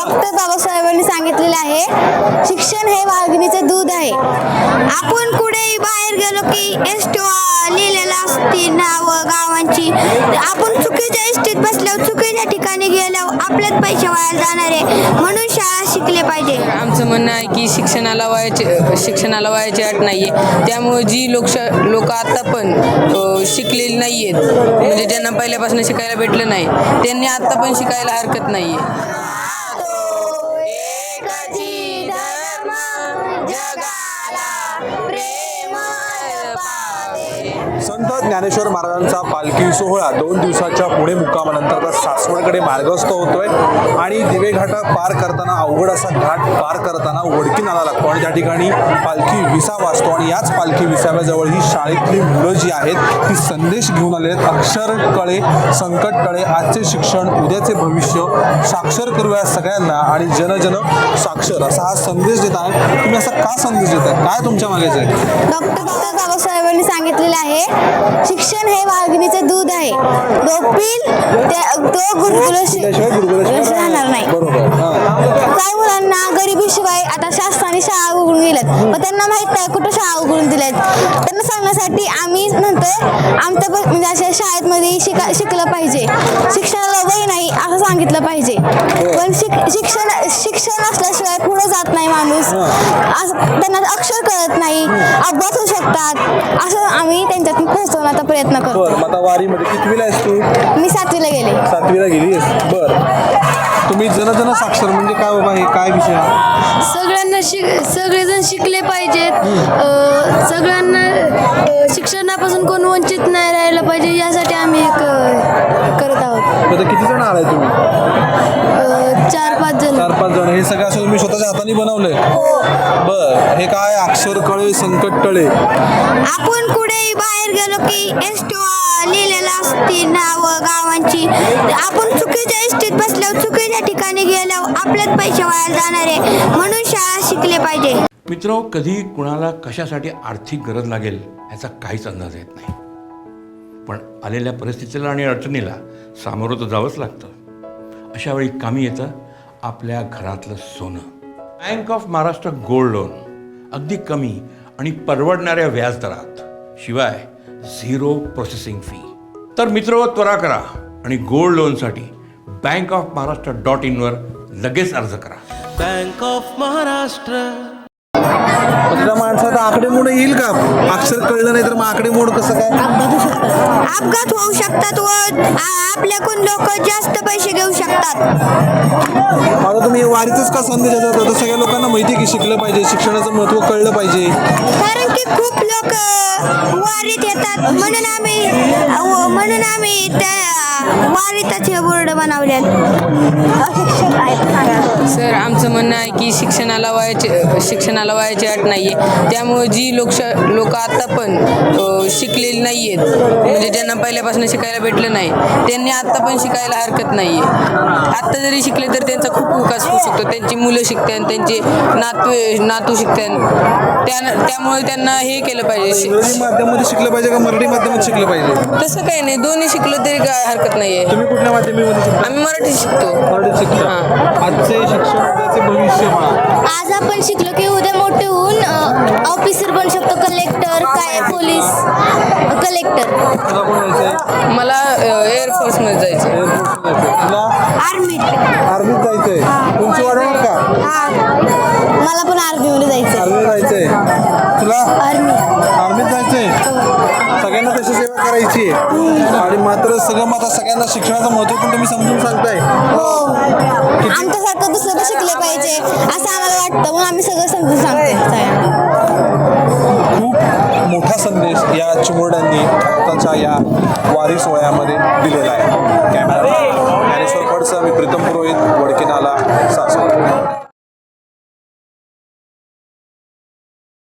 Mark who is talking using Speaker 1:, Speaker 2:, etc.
Speaker 1: Doctor बाबासाहेबांनी सांगितलेलं आहे, शिक्षण हे वाघिणीचे दूध आहे. आपण कुठेही बाहेर गेलो की एसटीवर लिहिलेलं असते नाव गावांची. आपण चुकीच्या एसटीत बसल्यावर चुकीच्या ठिकाणी गेल्यावर आपल्याच पैसे वाया जाणार आहे. म्हणून शाळा शिकले पाहिजे.
Speaker 2: आमचं म्हणणं आहे की शिक्षणाला वयाची अट नाही आहे. त्यामुळे जी लोक आता पण शिकलेली नाही आहेत, म्हणजे ज्यांना पहिल्यापासून शिकायला भेटलं नाही, त्यांनी आता पण शिकायला हरकत नाही आहे.
Speaker 3: संत ज्ञानेश्वर महाराजांचा पालखी सोहळा 2 दिवसाच्या पुणे मुक्कामानंतर आता सासवडकडे मार्गस्थ होतोय आणि दिवे घाटा पार करताना अवघड असा घाट पार करताना वडकी नाला लागतो आणि त्या ठिकाणी पालखी विसावा असतो आणि याच पालखी विसाव्याजवळ ही शाळेतली मुलं जी आहेत ती संदेश घेऊन आले आहेत. अक्षर कळे संकट टळे, आजचे शिक्षण उद्याचे भविष्य, साक्षर करूया सगळ्यांना आणि जन जन साक्षर असा हा संदेश देत आहे. तुम्ही असा का संदेश देत आहे, काय तुमच्या मागेच आहे?
Speaker 1: डॉक्टर बाबासाहेबांनी सांगितलेलं आहे, शिक्षण हे वाघिणीचे दूध आहे. तो गुरुकुलाशिवाय राहणार नाही. काही मुलांना गरिबीशिवाय आता शासनाने शाळा उघडून दिल्यात, पण त्यांना माहित नाही कुठं शाळा उघडून दिल्यात. त्यांना सांगण्यासाठी आम्ही म्हणतोय, आमच्या म्हणजे अशा शाळेमध्ये शिकलं पाहिजे. शिक्षणाला वय नाही असं सांगितलं पाहिजे. पण शिक्षण असल्याशिवाय पुढे जात नाही माणूस. त्यांना अक्षर कळत नाही, अपघात होऊ शकतात, असं आम्ही त्यांच्यातून पोहोचवण्याचा प्रयत्न करतो.
Speaker 3: आता वारीमध्ये कितवीला आहेस तू?
Speaker 1: मी 7वीला गेले.
Speaker 3: 7वीला गेलीस. तुम्ही जन साक्षर म्हणजे काय बाबा, हे काय विषय आहे?
Speaker 4: सगळेजण शिकले पाहिजेत. सगळ्यांना शिक्षणापासून कोण वंचित नाही राहिलं पाहिजे, यासाठी आम्ही करत आहोत.
Speaker 3: आता किती जण आलाय तुम्ही?
Speaker 4: 4-5 जण.
Speaker 3: 4-5 जण. हे सगळं असं तुम्ही स्वतःच्या हाताने बनवलंय? हे काय अक्षर कळे संकट टळे.
Speaker 1: आपण कुठेही बाहेर गेलो की एसटीवर लिहिलेलं असते नाव गावांची. आपण चुकीच्या एसटीत बसल्यावर चुकीच्या ठिकाणी गेल्यावर आपल्याच पैसे वाया जाणार आहे. म्हणून शाळा शिकले पाहिजे.
Speaker 5: मित्र, कधी कुणाला कशासाठी आर्थिक गरज लागेल याचा काहीच अंदाज येत नाही, पण आलेल्या परिस्थितीला आणि अडचणीला सामोरं तर जावंच लागतं. अशा वेळी कामी येतं आपल्या घरातलं सोनं. Bank of Maharashtra gold loan अगदी कमी आणि परवडणाऱ्या व्याजदरात, शिवाय 0 प्रोसेसिंग फी. तर मित्र, त्वरा करा आणि गोल्ड लोनसाठी bankofmaharashtra.in वर लगेच अर्ज करा.
Speaker 6: Bank of Maharashtra.
Speaker 3: त्या माणसाचा आकडेमोड येईल का? अक्षर कळलं नाही तर मग आकडेमोड कसं काय?
Speaker 1: अपघात होऊ शकतात व आपल्याकडून लोक जास्त पैसे घेऊ शकतात.
Speaker 3: आता तुम्ही वारीतच का संदेश देतात? तर सगळ्या लोकांना माहिती आहे की शिकलं पाहिजे, शिक्षणाचं महत्त्व कळलं पाहिजे.
Speaker 1: कारण की खूप लोक वारीत येतात, म्हणून आम्ही त्या वारीतच हे बोर्ड बनवले.
Speaker 2: सर, आमचं म्हणणं आहे की शिक्षणाला वयाची अट नाही आहे. त्यामुळे जी लोक आता पण शिकलेली नाही आहेत, म्हणजे ज्यांना पहिल्यापासून शिकायला भेटलं नाही, त्यांनी आता पण शिकायला हरकत नाही आहे. आत्ता जरी शिकले तर त्यांचा खूप विकास होऊ शकतो. त्यांची मुलं शिकतात, त्यांचे नातू शिकतात. त्यामुळे त्यांना हे केलं पाहिजे.
Speaker 3: इंग्रजी माध्यमामध्ये शिकलं पाहिजे का मराठी माध्यमात शिकलं पाहिजे?
Speaker 2: तसं काही नाही, दोन्ही शिकलं तरी काय हरकत नाही आहे.
Speaker 3: तुम्ही कुठल्या माध्यमामध्ये शिकता?
Speaker 2: आम्ही मराठी शिकतो.
Speaker 3: मराठी शिकता. आजचे शिक्षण उद्याचे भविष्य म्हणा.
Speaker 1: आज आपण शिकलो की उद्या मोठे होऊन ऑफिसर बनू शकतो. कलेक्टर, काय पोलीस, कलेक्टर.
Speaker 3: तुला कोण जायचंय?
Speaker 2: मला एअरफोर्समध्ये जायचं.
Speaker 3: तुला आर्मीत जायचंय. तुमची वाढवणार का?
Speaker 1: मला पण आर्मीमध्ये जायचं.
Speaker 3: आर्मीत जायचंय. तुला आर्मीत जायचंय. सगळ्यांना तशी सेवा करायची आणि मात्र सगळ्यांना शिक्षणाचं महत्त्व पण तुम्ही समजून सांगताय.
Speaker 1: आमच्यासारखं दुसरं शिकले पाहिजे असं आम्हाला वाटतं, म्हणून आम्ही सगळं समजून सांगतो.
Speaker 3: खूप मोठा संदेश या चिमुरड्यांनी आताच्या या वारी सोहळ्यामध्ये दिलेला आहे. कॅमेरा ज्ञानेश्वर फडसह मी प्रीतम पुरोहित, वडकी नाला, सासवड.